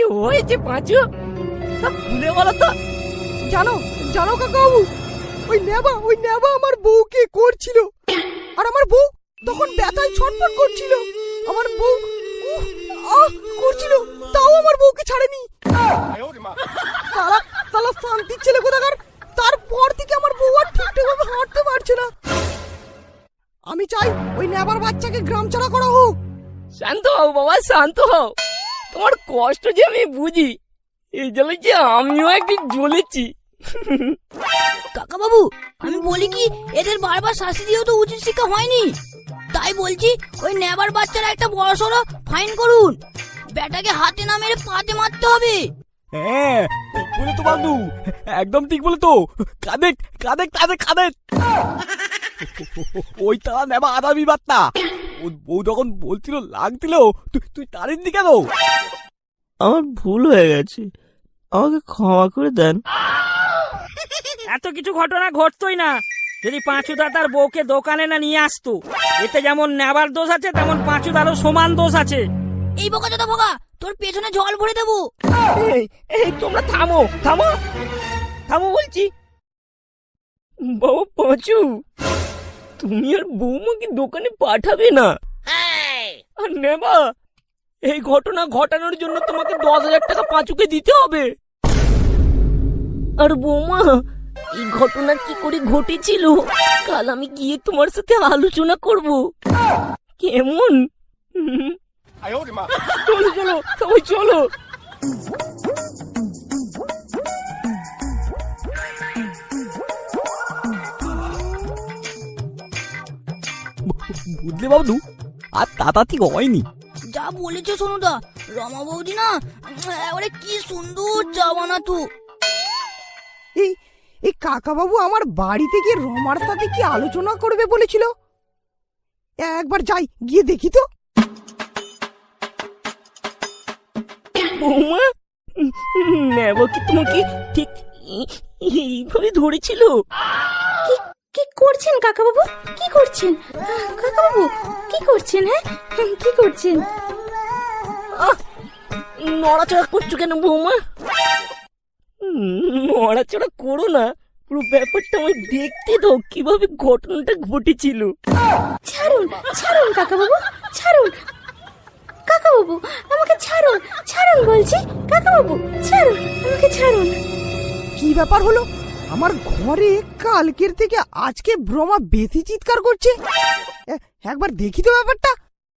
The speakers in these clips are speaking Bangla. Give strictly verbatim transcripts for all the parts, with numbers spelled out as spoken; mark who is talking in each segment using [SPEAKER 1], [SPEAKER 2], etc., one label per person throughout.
[SPEAKER 1] হয়েছে পাঁচু? সব খুলে বলো তো।
[SPEAKER 2] জানো জানো কাকাবাবু, ওই নেবা ওই নেবা আমার বউকে করছিল, আর আমার বউ তখন ব্যথায় ছটফট করছিল। আমার বউ উহ, আহ করছিল, তাও আমার বউকে ছাড়েনি। সালা সালা শান্তির ছেলে কোথাকার। তারপর থেকে আমার বউ আর ঠিকঠাকভাবে হাঁটতে পারছে না। আমি চাই ওই নেবার বাচ্চাকে গ্রাম ছাড়া করা হোক।
[SPEAKER 1] শান্ত হও বাবা, শান্ত হও। তোমার কষ্ট যে আমি বুঝি, এই জন্য যে আমিও একদিন জ্বলেছি।
[SPEAKER 3] কাকা বাবু, আমি বলি কি, এদের বারবার শাস্তি দিয়েও তো উচিত শিক্ষা হয়নি। তাই বলছি ওই নেবার বাচ্চারা একটা বড় সড়ো ফাইন করুন। বেটাকে হাতে না মেরে পাতে মারতে হবে।
[SPEAKER 4] হ্যাঁ ঠিক বলে তো বাবু, একদম ঠিক বলে তো। কাঁদে কাঁদে কাঁদে কাঁদে ওই তারা নেবা আদামি বার্তা। ওর বউ যখন বলছিল লাগছিল, তুই তুই তারিনি কেন?
[SPEAKER 5] আমার ভুল হয়ে গেছে, আমাকে ক্ষমা করে দেন।
[SPEAKER 6] এত কিছু ঘটনা ঘটতোই না যদি পাঁচুদা তার বউকে দোকানে না নিয়ে আসতো। এতে যেমন নেবার দোষ আছে, তেমন পাঁচুদারও সমান দোষ আছে।
[SPEAKER 3] এই বোকা চোদা বোকা, তোর পেছনে জল ভরে দেবো।
[SPEAKER 1] এই এই তোমরা থামো থামো থামো বলছি। বাবা পাঁচু, তুমি আর বৌমাকে দোকানে পাঠাবে না। আর নেবা, এই ঘটনা ঘটানোর জন্য তোমাকে দশ হাজার টাকা পাঁচুকে দিতে হবে। আর বৌমা, এই ঘটনা কি করে ঘটেছিল কাল আমি গিয়ে তোমার সাথে আলোচনা করব, কেমন? চলো চলো সবাই চলো।
[SPEAKER 4] বুঝলে বাবু, আর তাতাতি হয়নি।
[SPEAKER 3] যা বলেছো সোনুদা, রমা বৌদি না এবারে কি সুন্দর চা বানাতো।
[SPEAKER 2] এই এই কাকাবাবু আমার বাড়িতে গিয়ে রমার সাথে কি আলোচনা করবে বলেছিল। একবার যাই, গিয়ে দেখি তো।
[SPEAKER 1] বৌমা, নেব কি তোমাকে ঠিক এইভাবে ধরেছিল?
[SPEAKER 7] কি করছেন কাকাবাবু? কি করছেন কাকাবাবু? কি করছেন? হ্যাঁ কি করছেন?
[SPEAKER 1] নড়াচড়া করছো কেন বৌমা? নড়াচড়া করো না, পুরো ব্যাপারটা আমায় দেখতে দাও কিভাবে ঘটনাটা ঘটেছিল।
[SPEAKER 7] ছাড়ুন ছাড়ুন কাকাবাবু, ছাড়ুন কাকাবাবু, আমাকে ছাড়ুন ছাড়ুন বলছি। কাকাবাবু ছাড়ুন, আমাকে ছাড়ুন।
[SPEAKER 2] কি ব্যাপার হলো? আমার ঘরে কালকের থেকে আজকে ব্রহ্মা বেশি চিৎকার করছে। এ- একবার দেখি তো ব্যাপারটা।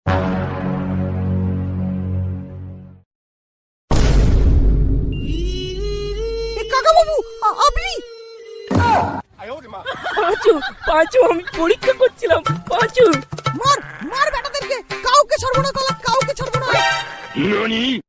[SPEAKER 2] এ কাকাবাবু, আ- আপনি?
[SPEAKER 1] পাঁচু পাঁচু, আমি পরীক্ষা করছিলাম। পাঁচু
[SPEAKER 2] মার মার বেটাদেরকে, কাউকে ছাড়বো না, কাউকে ছাড়বো না।